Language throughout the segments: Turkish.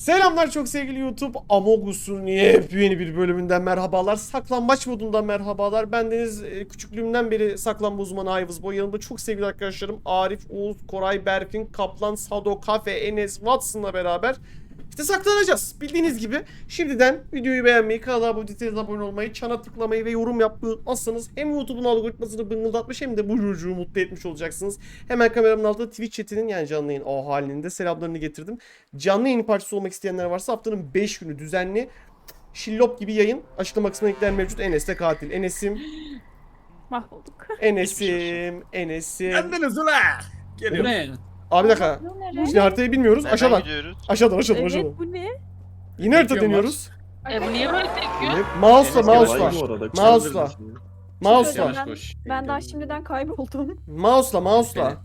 Selamlar çok sevgili YouTube. Among Us'un yepyeni bir bölümünden merhabalar. Saklambaç modundan merhabalar. Bendeniz küçüklüğümden beri saklambaç uzmanı Ayvız Boy. Yanımda çok sevgili arkadaşlarım Arif, Oğuz, Koray, Berfin, Kaplan, Sado, Kafe, Enes, Watson'la beraber işte saklanacağız. Bildiğiniz gibi şimdiden videoyu beğenmeyi, kanala abone olmayı, çana tıklamayı ve yorum yapmayı unutmazsanız hem YouTube'un algoritmasını bıngıldatmış hem de bu çocuğu mutlu etmiş olacaksınız. Hemen kameramın altında Twitch chatinin yani canlı yayın o halinde selamlarını getirdim. Canlı yayın parçası olmak isteyenler varsa haftanın 5 günü düzenli şillop gibi yayın. Açıklama kısmına linkler mevcut. Enes de katil. Enes'im. Mahvolduk. Enes'im. Bendeniz ula. Geliyor. Ne? Abi bir dakika. Bu ne? Şimdi haritayı bilmiyoruz. Nereden Aşağıdan. gidiyoruz? Aşağıdan. Evet bu ne? Yine harita Bekliyorum deniyoruz. Bu niye böyle tekiyor? Mouse'la. Mouse'la. Mouse'la. Ben daha şimdiden kayboldum. Mouse'la.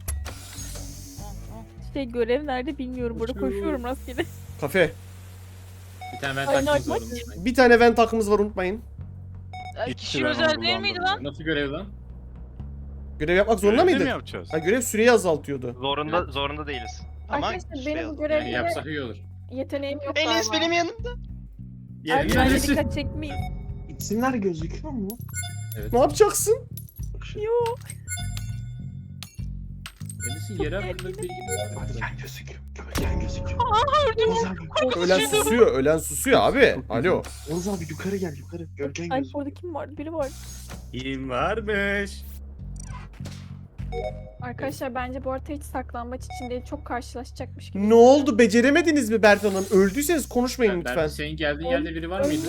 Görev nerede bilmiyorum. Burada koşuyorum rastgele. Kafe. Bir tane ben Aynen, taktiğim bak. zorundayım. Bir tane vent takımız var unutmayın. Kişi özel değil miydi lan? Nasıl görev lan? Görev yapmak zorunda Görevde mi mıydık? yapacağız? Ha, görev süreyi azaltıyordu. Zorunda değiliz. Ama Arkadaşlar şey benim bu yazıyor. Yani görevde yapsak iyi olur. yeteneğim yok Enes benim yanımda. Yerini Bence bilirsin. dikkat çekmeyin. İsimler gözüküyor mu? Ne yapacaksın? Yok. Enes'in yeri hakkında bir bilgimiz var mı? Gölgen gözüküyor. Gölgen gözüküyor. Ölen susuyor abi. Alo. Oğuz abi yukarı gel yukarı. Gölgen Ay gözüküyor. orada kim vardı? Biri var. Kim varmış? Arkadaşlar bence bu arada hiç saklambaç için değil. Çok karşılaşacakmış gibi. Ne oldu? Beceremediniz mi Bertan Hanım? Öldüyseniz konuşmayın Ben lütfen. senin geldiğin yerde biri var mıydı?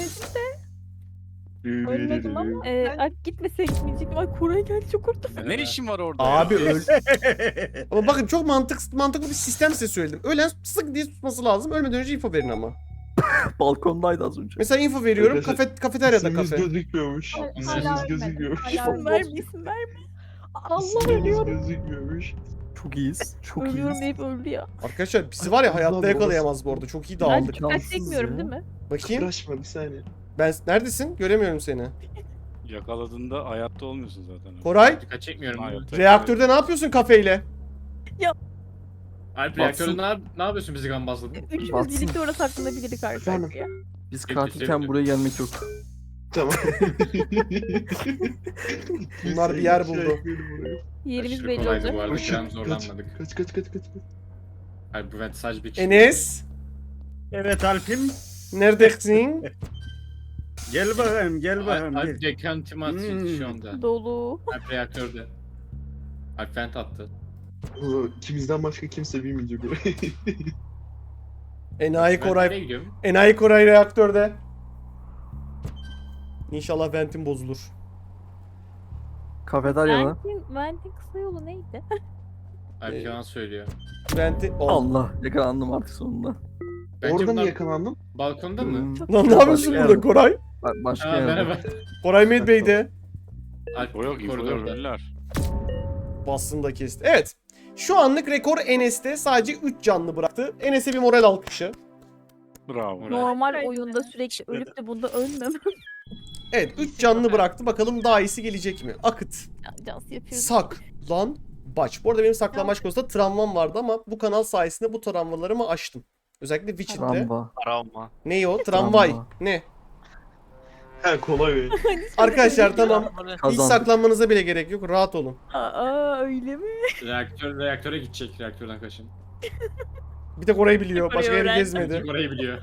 Ölmedim ama. Ay gitmesek gitmeyecektim. Ay Koray geldi çok korktum. Ne işin var orada? Abi ya? öl. Ama bakın çok mantıklı bir sistem size söyledim. Ölen sık diye tutması lazım. Ölmeden önce info verin ama. Balkondaydı az önce. Mesela info veriyorum. Arkadaşlar, kafeteryada İsmimiz kafe. gözükmüyormuş. Hala İsmimiz ölmedim. gözükmüyormuş. Hala verme isim verme. Allah İsmimiz ölüyorum. gözükmüyormuş. Çok iyiyiz. Çok Ölüyorum iyiyiz. deyip öldü ya. Arkadaşlar bizi var ya hayatta Allah yakalayamaz bu arada. Çok iyi Ben dağıldık. dikkat Cansız çekmiyorum ya. değil mi? Bakayım. Uğraşma bir saniye. Ben neredesin? Göremiyorum seni. Yakaladığında hayatta olmuyorsun zaten. Koray, Dikkat çekmiyorum. Hayatta. reaktörde ne yapıyorsun kafeyle? Alp reaktörde ne yapıyorsun bizi gambazladın? Üçümüz Batsın. birlikte orada saklanabilirdik Efendim? arkadaşlar. Biz Peki, katilken sevdim. buraya gelmek yok. Tamam. Bunlar bir yer buldu. Yerimiz Aşırı belli kolaydı olacak. bu arada. Kaç, Gram zorlanmadık. kaç. Alp bu vent sadece bir kişi. Enes, Evet Alp'im. neredesin? Gel bakayım, gel bakayım. Alp dekantimasyon şu anda. Dolu. Alp reaktörde. Alp vent attı. İkimizden başka kimse bilmeyecek orayı. Enayi Ben nereye Koray. gidiyorum? Enayi Koray reaktörde. İnşallah ventim bozulur. Kafeteryada. Ventin kısa yolu neydi? Alp yalan söylüyor. Venti... Allah yakalandım artık sonunda. Bence Orada mı bunlar yakalandın? balkonda mı? Hmm, Lan ne yapıyorsun Başka burada yerde. Koray? Başka Aa yerde. merhaba. Koray Medbey'de. Alp O yok infolar koridorda. ölüler. Bastını da kesti. Evet. Şu anlık rekor Enes'te sadece 3 canlı bıraktı. Enes'e bir moral alkışı. Bravo. Normal oyunda sürekli ölüp de bunda ölmem. Evet 3 canlı bıraktı. Bakalım daha iyisi gelecek mi? Akıt. Cansı yapıyoruz. Sak. Lan. Baç. Bu arada benim saklanmaç konusunda travmam vardı ama bu kanal sayesinde bu travmalarımı aştım. Özellikle Witcher'de. Ramba. Travma. Ne o? Tramvay. Travma. Ne? He kolay be. Arkadaşlar tamam. Hiç Kazandık. saklanmanıza bile gerek yok. Rahat olun. Aa öyle mi? Reaktöre gidecek. Reaktörden kaçın. Bir tek orayı biliyor. Başka yeri öğrendim. gezmedi. Tek orayı biliyor.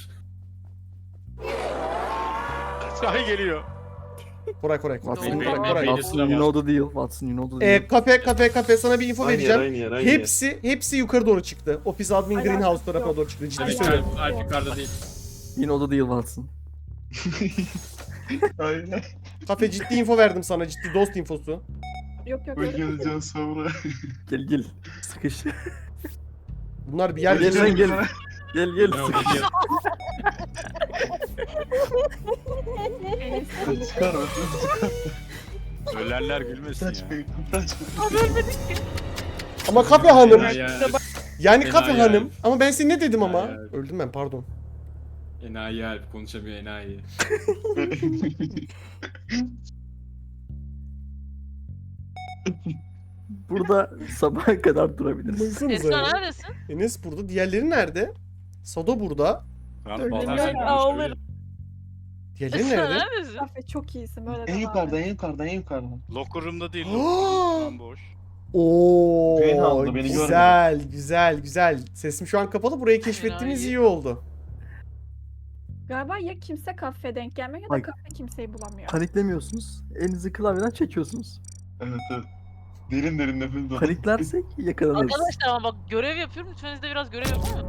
Ay geliyor. Koray. Watson, Benim- Koray. benim- Koray. benim- Watson you know the deal. Watson you know the deal. Kafe sana bir info vereceğim. Aynı yer. Hepsi yukarı doğru çıktı. Office Admin Ay, Greenhouse alakası tarafına yok. doğru çıktı. Ciddi Ay, söylüyorum. Alp yukarıda değil. You know the deal Watson. Aynen. Kafe ciddi info verdim sana. Ciddi dost infosu. Yok yok. Hoş geldin sonra. Gel. Sıkış. Bunlar bir yer Gel lan geziyor. gel. Gel Ne sıkış. oldu? Çıkar Ölenler gülmesin ya. Ama kafe hanım. Ya. Yani Fena kafe yani. hanım. Ama ben seni ne dedim ama? Yani. Öldüm ben pardon. Enayi Alp konuşamıyor enayi. Burada sabaha kadar durabiliriz. Baksanıza. neredesin? Enes burada. Diğerleri nerede? Sado burada. Ben Ölüm bazen yok, ağlarım. Diğerleri nerede? Neredesin? Kafe çok iyisin böyle En devam yukarıda, et. en yukarıda, en yukarıda. Locker room'da değil. Aa! Locker room boş. Oo, Greenhouse'da beni güzel, güzel, güzel. Sesim şu an kapalı. Burayı keşfettiğimiz Enayi. iyi oldu. Galiba ya kimse kafe denk gelmiyor ya da Ay. kafe kimseyi bulamıyor. Paniklemiyorsunuz. Elinizi klavyeden çekiyorsunuz. Evet evet. Derin derin nefes al. Paniklersek yakalanırız. Arkadaşlar ama bak görev yapıyorum. Lütfen siz de biraz görev yapın.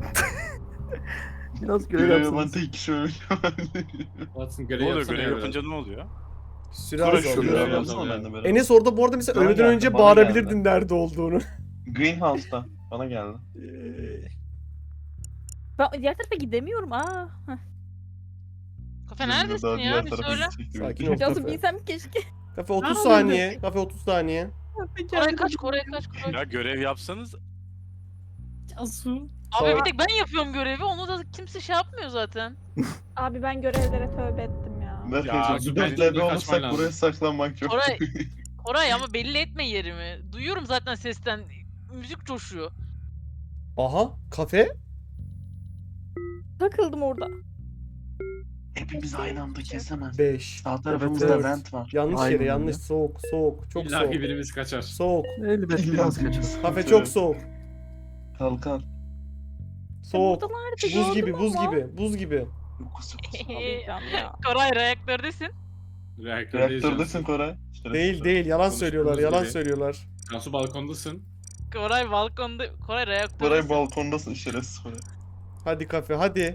Biraz görev Görev yapan yapsanız. tek kişi ölüyor. Watson Ne görev oluyor? yapsana Görev ya yapınca ne oluyor? Süre Kura az şurada. oldu. Görev ya. yapsana ben de beraber. Enes orada bu arada mesela Bana ölmeden geldi, önce bana bağırabilirdin nerede olduğunu. Greenhouse'da. Bana geldi. Ben diğer tarafa gidemiyorum. Kafe neredesin ya? Bir söyle. Sakin ol Nasıl kafe. bilsem keşke. Kafe 30 saniye. Kafe 30 saniye. Koray kaç, Koray kaç, Koray. Ya görev yapsanız Cansu. Abi bir tek ben yapıyorum görevi. Onu da kimse şey yapmıyor zaten. Abi ben görevlere tövbe ettim ya. Mert Ya, hocam, süper dörtlerde ligde kaçman olursak lazım. buraya saklanmak çok. Koray, Koray ama belli etme yerimi. Duyuyorum zaten sesten. Müzik coşuyor. Aha kafe. Takıldım orada. Hepimiz aynı anda kesemez. 5. Sağ Evet, tarafımızda evet. vent var. Yanlış Aynen yere öyle. yanlış. Soğuk soğuk. Çok İlla soğuk. ki birimiz kaçar. Soğuk. Elbet biraz kaçar. Kafe çok soğuk. Kalkan. Soğuk. Buradalardı, Buz gördüm gibi buz ama. gibi. Buz gibi. Alacağım ya. Koray reaktördesin. Reaktördeyiz. Reaktördesin Koray. Değil değil yalan Konuştuğumuz söylüyorlar yalan gibi. söylüyorlar. Cansu balkondasın. Koray balkonda. Koray Koray reaktördesin. balkondasın şerefsiz Koray. Hadi kafe hadi.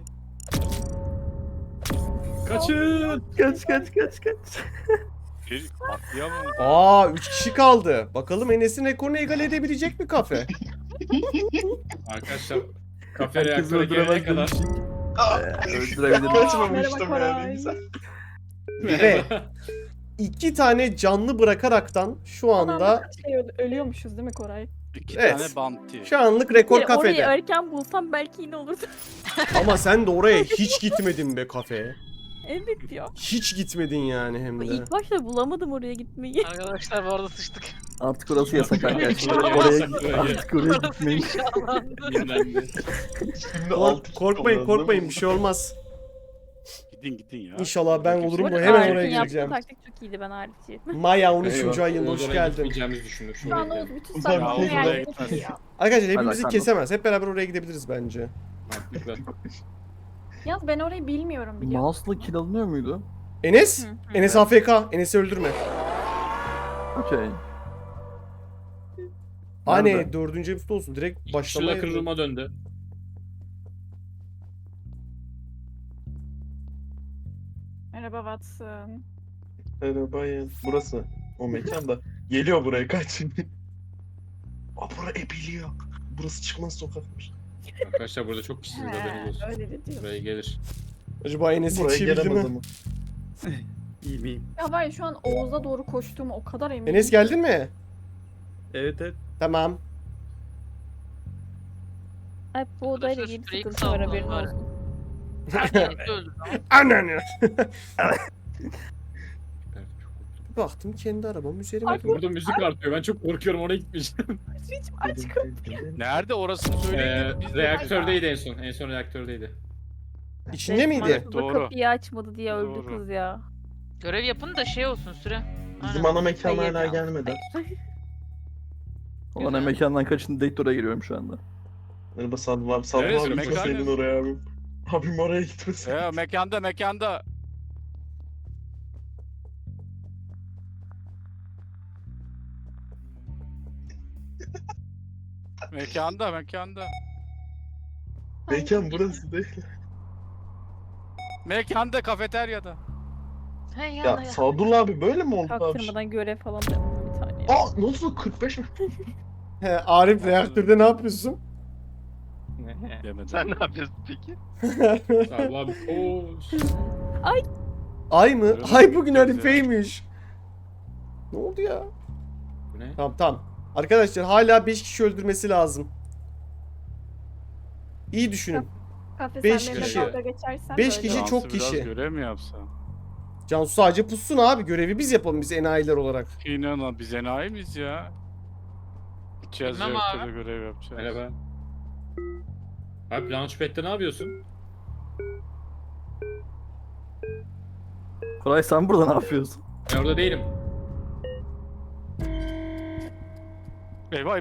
Kaçın. Kaç. bir atlayamam. Aa 3 kişi kaldı. Bakalım Enes'in rekorunu egal edebilecek mi kafe? Arkadaşlar kafe Herkes reaktöre gelene öldüremez kadar. demiştik. Öldürebilirim. Kaçmamıştım Merhaba yani Koray. güzel. Ve 2 tane canlı bırakaraktan şu anda Ölüyormuşuz değil mi Koray? 2 Evet. tane bounty. şu anlık rekor Orayı kafede. erken bulsam belki yine olurdu. Ama sen de oraya hiç gitmedin be kafe. Evet ya. Hiç gitmedin yani hem de. İlk başta bulamadım oraya gitmeyi. Arkadaşlar bu arada sıçtık. Artık orası yasak arkadaşlar. Oraya Oraya yasak, oraya. artık oraya Orası gitmeyin. inşallandı. Yenilendi. Şimdi altı kişi Korkmayın kaldı, korkmayın değil bir mi? şey olmaz. Gidin ya. İnşallah ben Kimse- olurum bu. Arif'in Hemen yaptığı oraya gireceğim. taktik çok iyiydi ben harici. Maya 13. Eyvah. ayında Oğuz hoş oraya geldin. gitmeyeceğimizi düşündük. Şu anda Şuraya Oğuz bütün Ulan saklanma Oğuz oraya yerleri gitmez. biliyor. Arkadaşlar hepimizi Hadi, kesemez. Hep beraber oraya gidebiliriz bence. Mantıklı. Yalnız ben orayı bilmiyorum biliyor musun? Mouse'la kill alınıyor muydu? Enes? Hı hı. Enes AFK. Enes'i öldürme. Okey. Anne 4. episode olsun. Direkt Şurada başlamaya. kırılma döndü. Merhaba Watson. Merhaba burası. O mekan da. Geliyor buraya kaç. Aa bura biliyor. Burası çıkmaz sokakmış. Arkadaşlar burada çok kişisiniz haberiniz olsun. Öyle de diyor. Buraya gelir. Acaba Enes Buraya yetişebildi gelemez mi? ama. İyi miyim? Ya var ya şu an Oğuz'a doğru koştuğumu o kadar eminim. Enes geldin mi? Evet evet. Tamam. Ay bu odayla Arkadaşlar ilgili sürekli sıkıntı var haberin salgın var. olsun. Herkes öldü. Ananı. Baktım kendi arabam üzerime. Bakın burada müzik artıyor. Ben çok korkuyorum oraya gitmeyeceğim. Aç kapıyı. Nerede orasını söyleyin. Biz de- Reaktördeydi en son. En son reaktördeydi. İçinde miydi? Resmen Doğru. kapıyı açmadı diye öldü Doğru. kız ya. Görev yapın da şey olsun süre. Bizim Aynen. ana mekan Hayır hala ya. gelmedi. Olan mekandan kaçın Dektor'a giriyorum şu anda. Merhaba Sadlı abi. Sadlı Neresi? abi Mekan gitmeseydin neresi? oraya abi. Abim oraya gitmesin. Ya mekanda. Mekanda. Mekan burası değil. Mekanda kafeteryada. He Ya Sadullah abi böyle mi oldu abi? Çaktırmadan görev falan da yaptım bir tane. Aa nasıl 45 mi? He, Arif reaktörde ne yapıyorsun? Demedim. Sen ne yapıyorsun peki? Allah abi koş. Ay mı? Öyle Ay mi? bugün Çok Arife'ymiş. Ne oldu ya? Bu ne? Tamam. Arkadaşlar hala 5 kişi öldürmesi lazım. İyi düşünün. Kafe Beş sen benimle kişi. dalga geçersen Beş böyle kişi olur. çok Cansu biraz kişi. görev mi yapsa? Cansu sadece pussun abi. Görevi biz yapalım biz enayiler olarak. İnanın biz enayi miyiz ya? Gideceğiz Bilmem reaktöre abi. görev yapacağız. Merhaba. Abi Launchpad'de ne yapıyorsun? Koray sen burada ne yapıyorsun? Ben orada değilim. Eyvah.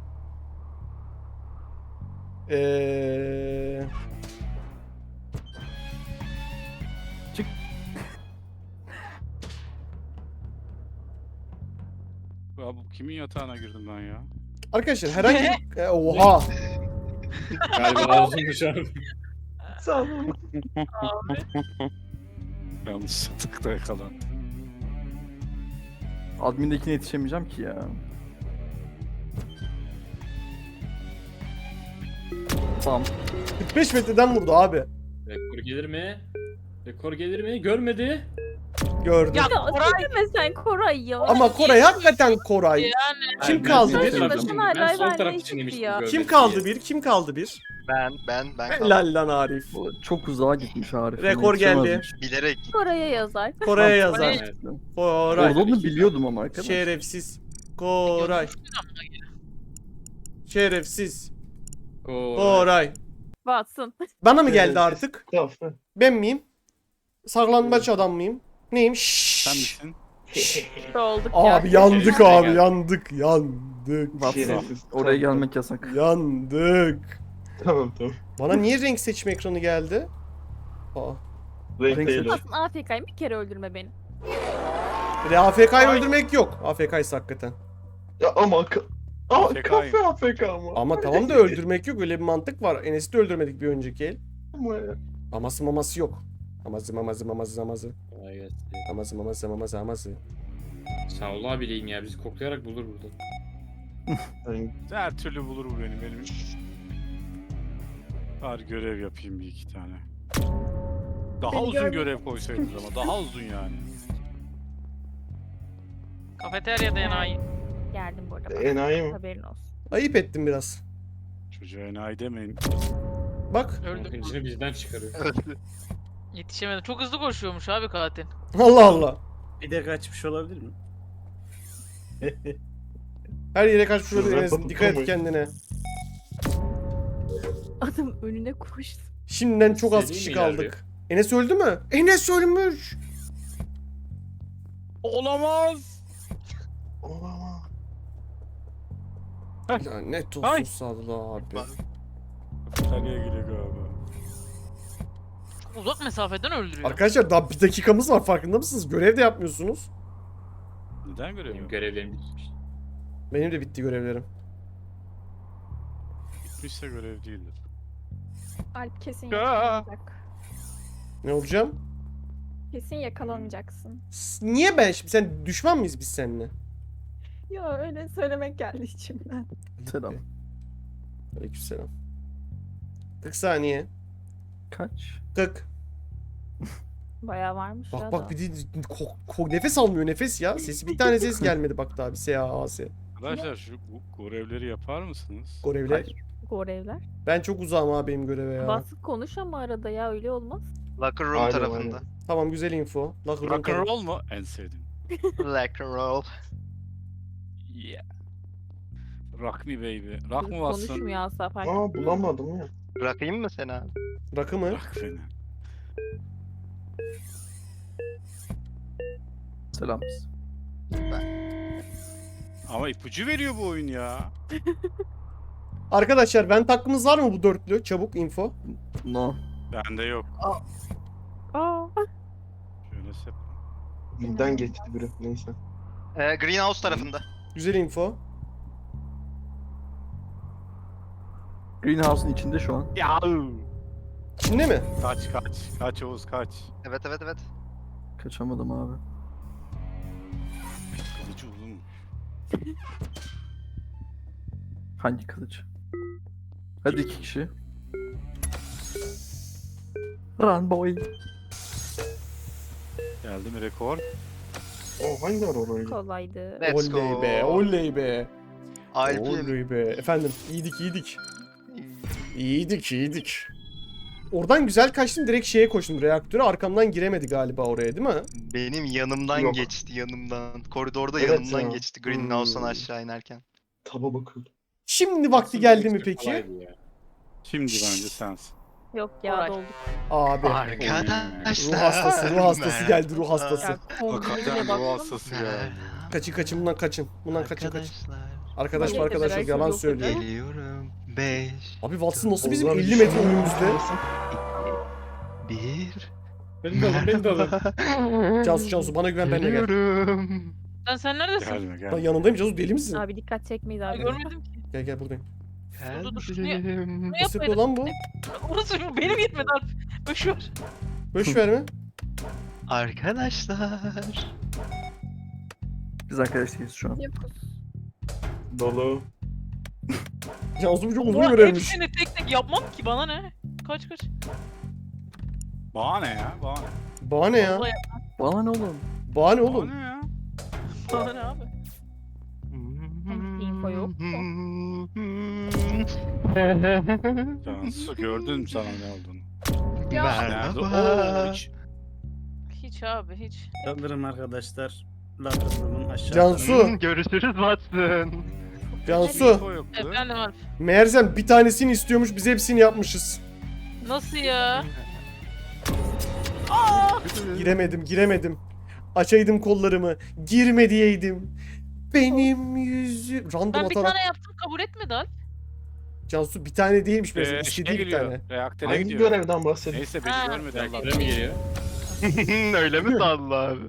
Ya bu kimin yatağına girdim ben ya? Arkadaşlar herhangi bir... Oha. Galiba ağzımmış abi. Sağ olun. Yanlış yatakta yakalan. Admin'dekine yetişemeyeceğim ki ya. Tamam. 45 metreden vurdu abi. Rekor gelir mi? Rekor gelir mi? Görmedi. Gördüm. Ya Ya Koray söyleme sen Koray ya. Ama Koray hakikaten Koray. yani. Kim Ben kaldı sol bir? taraf Başına için- hala Ben sol ben taraf ne için çıktı demiştim. ya? görmedi Kim diye. kaldı bir? Kim kaldı bir? Ben kaldım. Helal lan Arif. Bu çok uzağa gitmiş Arif. Rekor geldi. Yetişemezmiş. Bilerek. Koray'a yazar. Koray'a yazar. Evet. Koray. Orada onu biliyordum ama arkadaş. Şerefsiz. Koray. Şerefsiz. Koray. Koray. Batsın. Bana mı geldi artık? Tamam. Ben miyim? Saklambaç adam mıyım? Neyim? Sen Şşş. misin? Olduk ya. Abi yandık Şerefsiz abi geldi. yandık yandık. Watson, Şerefsiz. oraya gelmek yasak. Yandık. Tamam. Bana niye renk seçme ekranı geldi? Aa. Renk Renk değil o. Aslında AFK'yim, bir kere öldürme beni. Bir de AFK'yı öldürmek yok. AFK'ysa hakikaten. Ya ama Aa AFK 'yim. kafe AFK ama. Ama tamam da öldürmek yok. Öyle bir mantık var. Enes'i de öldürmedik bir önceki el. Ama ya. Aması maması yok. Aması maması maması maması. Kolay gelsin. Aması maması maması maması. Sağ ol abileyim ya. Bizi koklayarak bulur burada. Ben- Her türlü bulur bu benim. Bari görev yapayım bir iki tane. Daha Beni uzun görmedin. görev koysaydınız ama daha uzun yani. Kafeteryada enayi. Geldim bu arada. Enayi mi? Haberin olsun. Ayıp ettim biraz. Çocuğa enayi demeyin. Bak. Öldüm. Hıncını bizden çıkarıyor. Yetişemedim. Çok hızlı koşuyormuş abi katil. Allah Allah. Bir de kaçmış olabilir mi? Her yere kaçmış olabilir Şuradan Enes. kapı Dikkat et kamayın. kendine. Adam önüne koştu. Şimdiden çok az İstediğin kişi mi kaldık. Enes öldü mü? Enes ölmüş. Olamaz. Olamaz. Lanet olsun Ay. Sadullah abi. Kafeteryaya geliyor galiba. Çok uzak mesafeden öldürüyor. Arkadaşlar daha bir dakikamız var farkında mısınız? Görev de yapmıyorsunuz. Neden görev Benim yok? görevlerim bitmiş. Benim de bitti görevlerim. Bitmişse görev değildir. Alp kesin Ya. yakalanacak. Ne olacağım? Kesin yakalanacaksın. Niye ben şimdi? Sen düşman mıyız biz seninle? Ya öyle söylemek geldi içimden. Selam. Aleykümselam. 40 saniye. Kaç? 40. Bayağı varmış ya Bak da. bak bir de nefes almıyor nefes ya. Sesi bir tane ses gelmedi bak daha bir S-A-A-S. Arkadaşlar şu bu görevleri yapar mısınız? Görevler. Hayır. Görevler. Ben çok uzağım abi benim göreve ya. Basıp konuş ama arada ya öyle olmaz. Locker room Aynen, tarafında. aynen. Tamam güzel info. Locker room Rock and tarafı. roll mu? En sevdiğim. Locker roll. Yeah. Rock me baby. Rock mı Çocuk bassın? konuşmuyor asla fark Aa bulamadım ya. Bırakayım mı seni abi? Rakı mı? Rock beni. Selam. Ama ipucu veriyor bu oyun ya. Arkadaşlar ben hakkımız var mı bu dörtlü? Çabuk info. No. Bende yok. Aa. Şöyle sep. Birden geçti biri. Neyse. Greenhouse tarafında. Güzel info. Greenhouse'un içinde şu an. Ya. Şimdi mi? Kaç kaç. Kaç Oğuz kaç. Evet evet evet. Kaçamadım abi. Kılıcı uzun. Hangi kılıç? Hadi iki kişi. Run boy. Geldi mi rekor? O hangi ara orayı? Kolaydı. Let's Oley go. be, oley be. Alp'in. Oley be. Efendim, iyiydik. İyiydik. Oradan güzel kaçtım, direkt şeye koştum, reaktöre. Arkamdan giremedi galiba oraya, değil mi? Benim yanımdan Yok. geçti yanımdan. Koridorda Evet yanımdan ya. geçti Greenhouse'dan aşağı inerken. Taba bakıyordum. Şimdi vakti geldi mi peki? Kolaydı ya. Şimdi bence sensin. Yok ya Koray. dolduk. Abi. Arkadaşlar. Ruh hastası, ruh hastası geldi, ruh hastası. Ya kombinine Hakikaten baktım. bu hastası geldi. Kaçın bundan kaçın. Bundan kaçın. Arkadaşlar. Arkadaş Yok arkadaş dedi, yok yalan yok dedi. söylüyor. Geliyorum. 5, Abi Watson nasıl bizim Ozan 50 bir metre şey önümüzde? yapmasın. 1. Beni de alın, beni de alın. Cansu bana güven benimle gel. Geliyorum. Sen neredesin? Gelme Ben gelme. yanındayım Cansu, deli misin? Abi dikkat çekmeyiz Ay, abi. görmedim ki. Gel buradayım. Dur, şunu Geldim. Ne Nasıl yapıyor lan bu? Orası benim yetmedi Alp. Boşver. Boş verme. Arkadaşlar. Biz arkadaş değiliz şu an. Yokuz. Dolu. Cansu bu çok uzun Ulan görevmiş. hepsini tek tek yapmam ki bana ne? Kaç. Bana ne ya? Bana ne? Bana ne ya? Vallahi Bana ne oğlum? Bana ne Bana oğlum? ne ya? bana ne abi? info yok. Cansu gördün mü sana ne olduğunu? Nerede? Merhaba. Hiç abi hiç. Sanırım arkadaşlar. Ladrımın aşağıda. Cansu. Görüşürüz Watson. Cansu. Info yoktu. Efendim Alp. Meğersem bir tanesini istiyormuş, biz hepsini yapmışız. Nasıl ya? Giremedim. Açaydım kollarımı. Girme diyeydim. Benim yüzü... Random Ben bir atarak... tane yaptım kabul etmedi Alp. Cansu bir tane değilmiş mesela. Şeye İstediği bir geliyor. tane. Reaktöre Hangi gidiyor. görevden bahsediyorsun? Neyse beni Ha. görmedi Allah. Reaktöre mi geliyor? Öyle mi sandı abi?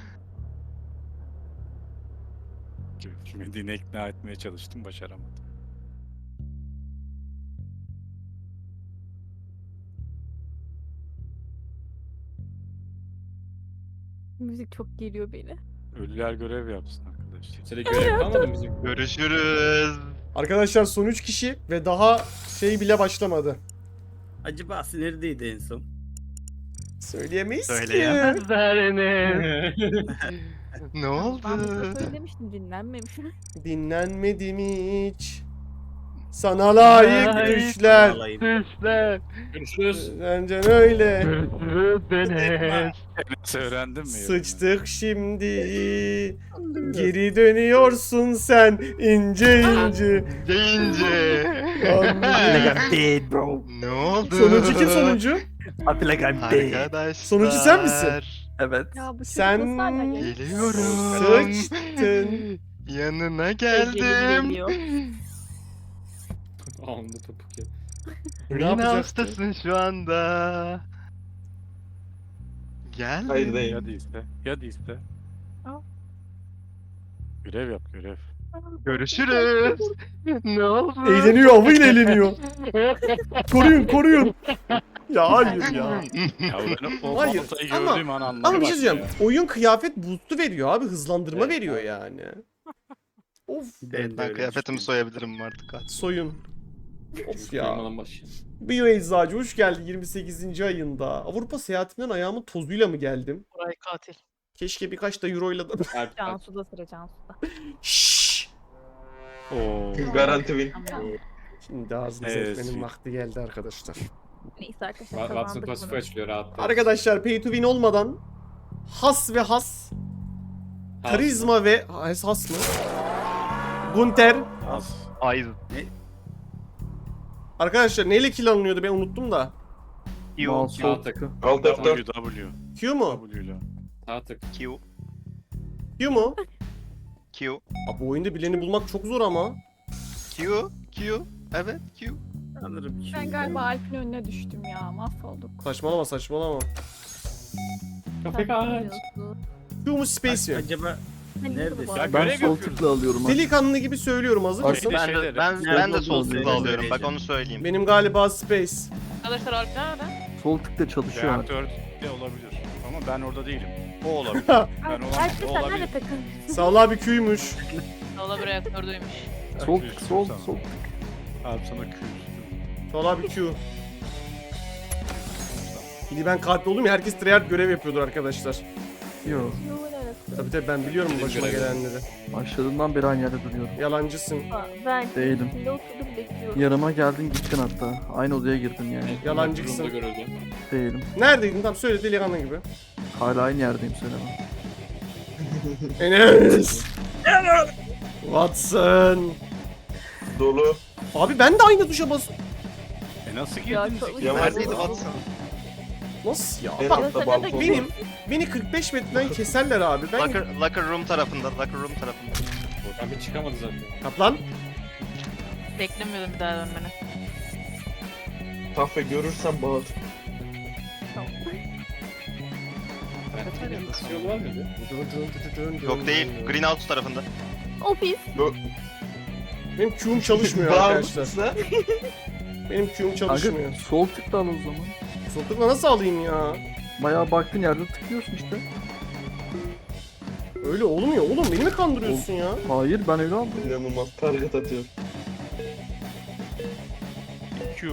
Medine ikna etmeye çalıştım, başaramadım. Müzik çok geliyor beni. Ölüler görev yapsın arkadaşlar. Kimse de görev kalmadı mı bizim? Görüşürüz. Arkadaşlar son 3 kişi ve daha şey bile başlamadı. Acaba neredeydi en son? Söyleyemeyiz ki. Ne oldu? Ben burada söylemiştim dinlenmemiş. Dinlenmedim hiç. Sana layık düşler. Vallahi. Görüşürüz. Bence öyle. Nasıl öğrendin mi? Sıçtık şimdi. Geri dönüyorsun sen ince ince. Deyince. Dead bro. Ne oldu? Sonuncu kim sonuncu? I feel like I'm dead. Arkadaşlar. Sonuncu sen misin? Evet. Ya bu çocuk Sen- nasıl hala geliyor? Geliyorum. Sıçtın. Yanına Geldim. geldim. Geliyor. Ağımda topuk ya. Ne Yine yapacaktın? hastasın şu anda. Gel. Hayır değil. Ya değilse. Ya değilse. Al. Görev yap görev. Görüşürüz. Ne oldu? Eğleniyor, avıyla eğleniyor. Koruyun. Ya hayır ya. Ya ben o Hayır, baltayı ama- gördüğüm an anladım. Ama bir şey söyleyeceğim. Oyun kıyafet boost'u veriyor abi. Hızlandırma Evet, veriyor abi. yani. Of. Evet, ben kıyafetimi soyabilirim artık. Soyun. Of ya. Kıymadan başlayalım. Bio Eczacı hoş geldin 28. ayında. Avrupa seyahatimden ayağımın tozuyla mı geldim? Koray katil. Keşke birkaç da euroyla da... Alp, Cansu'da sıra Cansu'da. Şşş. Oo. Garanti win. Tamam. Şimdi ağzını Evet, etmenin sweet. vakti geldi arkadaşlar. Neyse arkadaşlar Watson kazandık pasifi bunu. açılıyor rahat. Arkadaşlar pay to win olmadan has ve has, karizma ve... Has mı? Gunter. Az. Ay. Arkadaşlar neyle kill alınıyordu ben unuttum da. Mouse sol Sağ tıkı. Alt F4. W. Q mu? W ile. Sağ tık. Q. Q mu? Q. Abi bu oyunda bileni bulmak çok zor ama. Q. Q. Evet Q. Sanırım ki. Ben galiba Alp'in önüne düştüm ya. Mahvolduk. Saçmalama. Kafe kaç. Q mu space mi? Acaba neredesin? Ya Ben görev sol yapıyoruz. tıkla alıyorum. abi. Delikanlı gibi söylüyorum hazır Bak, mısın? Bir de Ben şeyleri. de, ben de sol tıkla Söyleyeceğim. alıyorum. Bak onu söyleyeyim. Benim galiba space. Arkadaşlar Alp nerede? Sol tıkla çalışıyor. abi. Reaktör de olabilir. Ama ben orada değilim. O olabilir. Alp Ben olamam. Alp O sen olabilir. nerede takın? Sağ ol abi Q'ymuş. Valla bir reaktördeymiş. Sol Q tık üstüm sol sana. sol. Abi sana Q üstüm. Sağ ol abi Q. Şimdi ben kalpli oldum ya herkes tryhard görev yapıyordur arkadaşlar. Yo. Tabii ben biliyorum Bizim başıma görev. gelenleri. Başladığından beri aynı yerde duruyorum. Yalancısın. Ben Değilim. içinde oturdum bekliyorum. Yanıma geldin gittin hatta. Aynı odaya girdin yani. Yalancısın. Durumda görüldü. Değilim. Neredeydin? Tamam söyle delikanlı gibi. Hala aynı yerdeyim söyleme. Enes. Watson. Dolu. Abi ben de aynı tuşa bas. nasıl Ya girdiniz? çok- ki? Yavaş Neredeydi dur. Watson? Nasıl ya? En Bak, altta Sen balkon. de- beni 45 metreden keserler abi. Ben Locker room tarafında. Locker room tarafında. Oradan bir çıkamadı zaten. kaplan. Beklemiyordum bir daha dönmeni. Kahve görürsen bağır. Ben nasıl yolu var mıydı? Yok değil. Greenhouse tarafında. Ofis. Benim Q'um çalışmıyor arkadaşlar. Bağırmışsa. Benim Q'um çalışmıyor. Kanka sol tıkla al o zaman. Sokakla nasıl alayım ya? Bayağı baktığın yerde tıklıyorsun işte. Öyle olmuyor oğlum. Beni mi kandırıyorsun ya? Hayır ben öyle aldım. İnanılmaz target atıyor. Q.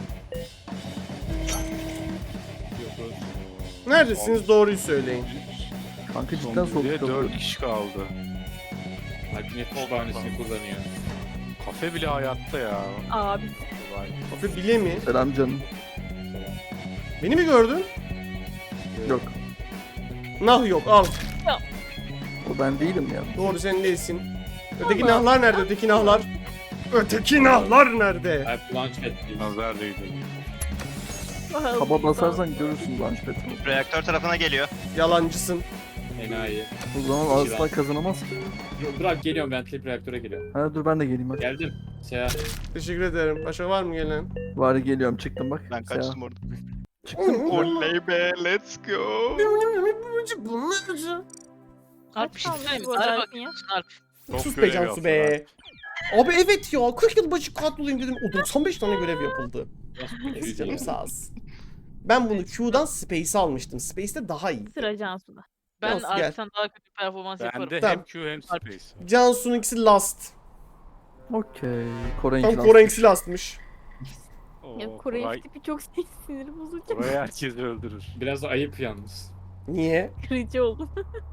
Neredesiniz? Doğruyu söyleyin. Kanka cidden sol tıkla 4 alıyordum. kişi kaldı. Alp'in hep kütüphanesini kullanıyor. Kafe bile hayatta ya. Abi. Kolay. Kafe bile mi? Selam canım. Beni mi gördün? Yok. Nah yok al. O ben değilim ya. Doğru sen değilsin. Öteki nahlar nerede? Öteki nahlar. Öteki nahlar nerede? Alp Launchpad değil. Nazar değdi. Taba basarsan görürsün Launchpad'i. Reaktör tarafına geliyor. Yalancısın. Enayi. O zaman asla kazanamaz ki. Dur abi geliyorum ben Tlip reaktöre geliyorum. Ha dur ben de geleyim hadi. Geldim. Seyahat. Teşekkür ederim. Başka var mı gelen? Bari geliyorum çıktım bak. Ben kaçtım orada. Çıktım. Oley be, let's go. Alp bir şey kaldı söyleyeyim mi? bu arada Araba Alp'in ya? Alp. Çok Sus be görev Cansu yaptılar. be. Abi evet ya 40 yıl başı katlolayım dedim. O 95 tane görev yapıldı. Neyse canım sağ olsun. Ben bunu Q'dan Space'e almıştım. Space'te daha iyi. Sıra Cansu'da. Ben Cansu, gel. Alp'ten daha kötü performans yaparım. Bende Tamam. hem Q hem Space. Cansu'nun ikisi last. Okey. Kore'nin Tam ikisi Kore'nkisi lastmış. Ya Oo, Kore kolay. tipi çok sinir bozucu. Burayı herkes öldürür. Biraz da ayıp yalnız. Niye? Kırıcı oldum.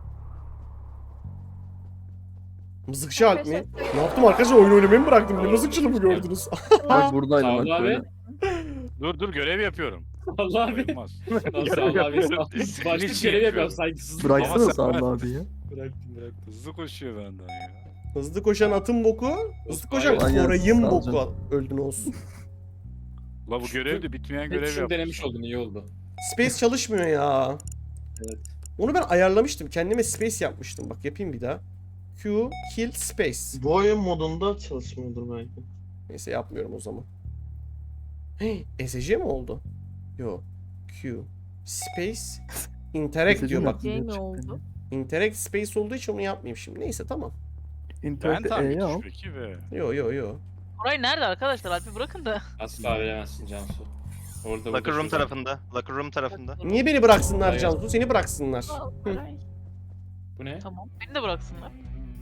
Mızıkçı Alp mi? Ne yaptım arkadaşlar? Oyun oynamayı mı bıraktım? Ne mızıkçılığı mı gördünüz? Bak buradaydım Sağ ol bak abi. böyle. Dur görev yapıyorum. Allah abi. Olmaz. Sağ ol abi. Sağ ol. Başka görev yapıyorum saygısızlık. Bıraksana Ama sen- Sağlı abi ya. Bıraktım. Hızlı koşuyor benden ya. Hızlı koşan atın boku, hızlı koşan Aynen, Koray'ın sağ ol boku. canım. Öldün olsun. La bu görev de bitmeyen Evet, görev şunu yap. denemiş oldun iyi oldu. Space çalışmıyor ya. Evet. Onu ben ayarlamıştım. Kendime space yapmıştım. Bak yapayım bir daha. Q, kill, space. Bu oyun modunda çalışmıyordur belki. Neyse yapmıyorum o zaman. Hey, ESC mi oldu? Yo. Q, space, interact diyor bak. C mi oldu? Interact space olduğu için onu yapmayayım şimdi. Neyse tamam. Ben İnternette tam E'yi al. peki be. Yo. Koray nerede arkadaşlar? Alp'i bırakın da. Asla veremezsin Cansu. Orada Locker room şurada. tarafında. Locker room tarafında. Niye beni bıraksınlar Hayır. Cansu? Seni bıraksınlar. Koray. Bu ne? Tamam. Beni de bıraksınlar.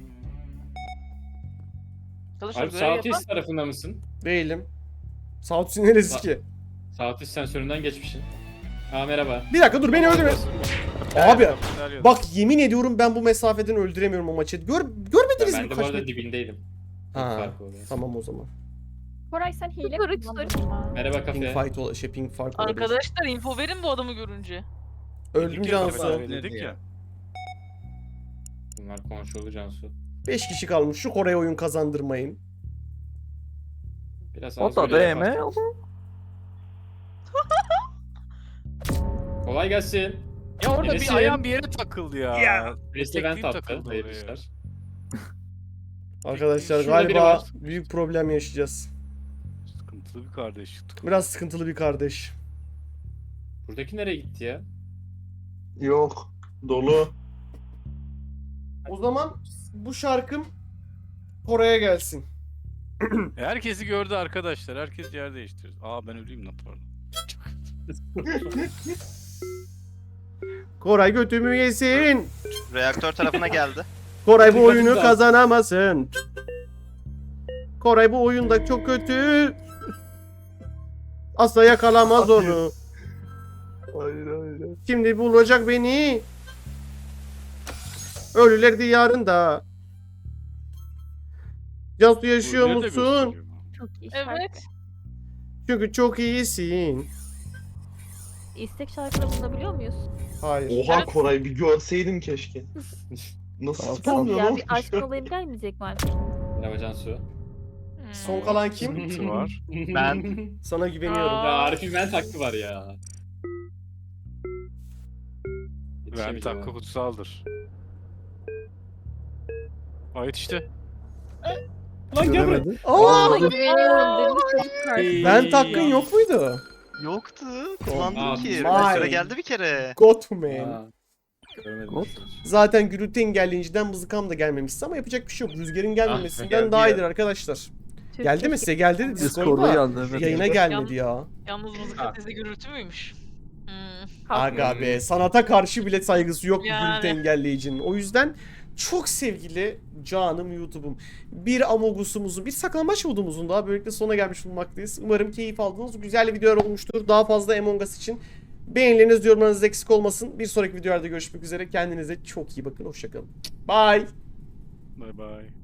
Arkadaşlar Alp görev yapan. Southeast tarafında mısın? Değilim. Southsea neresi Sa- ki? Southeast sensöründen geçmişsin. Aa merhaba. Bir dakika dur beni öldürme. Abi Bak. bak yemin ediyorum ben bu mesafeden öldüremiyorum o maçı. Görmediniz Ben mi de bu kaç arada metre? dibindeydim. Ha, Fark oluyor. tamam o zaman. Koray sen hile Kırık kullandın mı? Merhaba Ping kafe. fight ping fark olabilir. Arkadaşlar info verin bu adamı görünce. Öldüm Cansu. Dedik ya. Bunlar konuşuldu Cansu. 5 kişi kalmış. Şu Kore'ye oyun kazandırmayın. Biraz O az da görev DM yaparsın. Kolay gelsin. Ya orada Enes'im. bir ayağım bir yere takıldı ya. Birisi vent Tekliğim attı. takıldı Hayırlı oraya. işler. Arkadaşlar Şurada biri galiba var. büyük problem yaşayacağız. Sıkıntılı bir kardeş. Biraz sıkıntılı bir kardeş. Buradaki nereye gitti ya? Yok. Dolu. O zaman bu şarkım Kore'ye gelsin. Herkesi gördü arkadaşlar. Herkes yer değiştiriyor. Aa ben öleyim lan pardon. Koray götümü yesin. Reaktör tarafına geldi. Koray bu Dikkat oyunu et. kazanamasın. Koray bu oyunda çok kötü. Asla yakalamaz onu. Hayır. Şimdi bulacak beni. Ölüler diyarında. Cansu yaşıyor Nerede musun? gösteriyor? Çok iyi. Evet. Çünkü çok iyisin. İstek şarkıları bulabiliyor muyuz? Hayır. Oha Koray bir görseydin keşke. Nasıl Tamam, tutamıyor Ya lan? bir aşk olayım gelmeyecek mi artık? Merhaba Cansu. Son kalan kim? Sıkıntı var. Ben. Sana güveniyorum. Aa. Ya Arif'in vent hakkı var ya. Vent Yetişemeyeceğim hakkı abi. kutsaldır. Ait işte. Lan gel buraya. Göremedi. Aa! Ona güveniyorum dedim çocuk karşı. Ben hakkın yok muydu? Yoktu. Kullandım Aa, ki. vay. Süre geldi bir kere. Got man. Aa, görmedim. Hop. Zaten gürültü engelleyiciden mızıkam da gelmemişti ama yapacak bir şey yok. Rüzgarın gelmemesinden geldi daha ya. iyidir arkadaşlar. Türkiye Geldi mi size? Geldi de Discord'da Discord'da. geldi evet. Yayına gelmedi ya. Yalnız mızık Ha. sesi gürültü müymüş? Hmm. Aga be, sanata karşı bile saygısı yok bu Yani. gürültü engelleyicinin. O yüzden çok sevgili canım YouTube'um. Bir Amogus'umuzun, bir saklambaç modumuzun daha böylelikle sona gelmiş bulunmaktayız. Umarım keyif aldınız. Güzel videolar olmuştur. Daha fazla Among Us için beğenileriniz, yorumlarınız eksik olmasın. Bir sonraki videolarda görüşmek üzere. Kendinize çok iyi bakın. Hoşçakalın. Bye. Bay bay.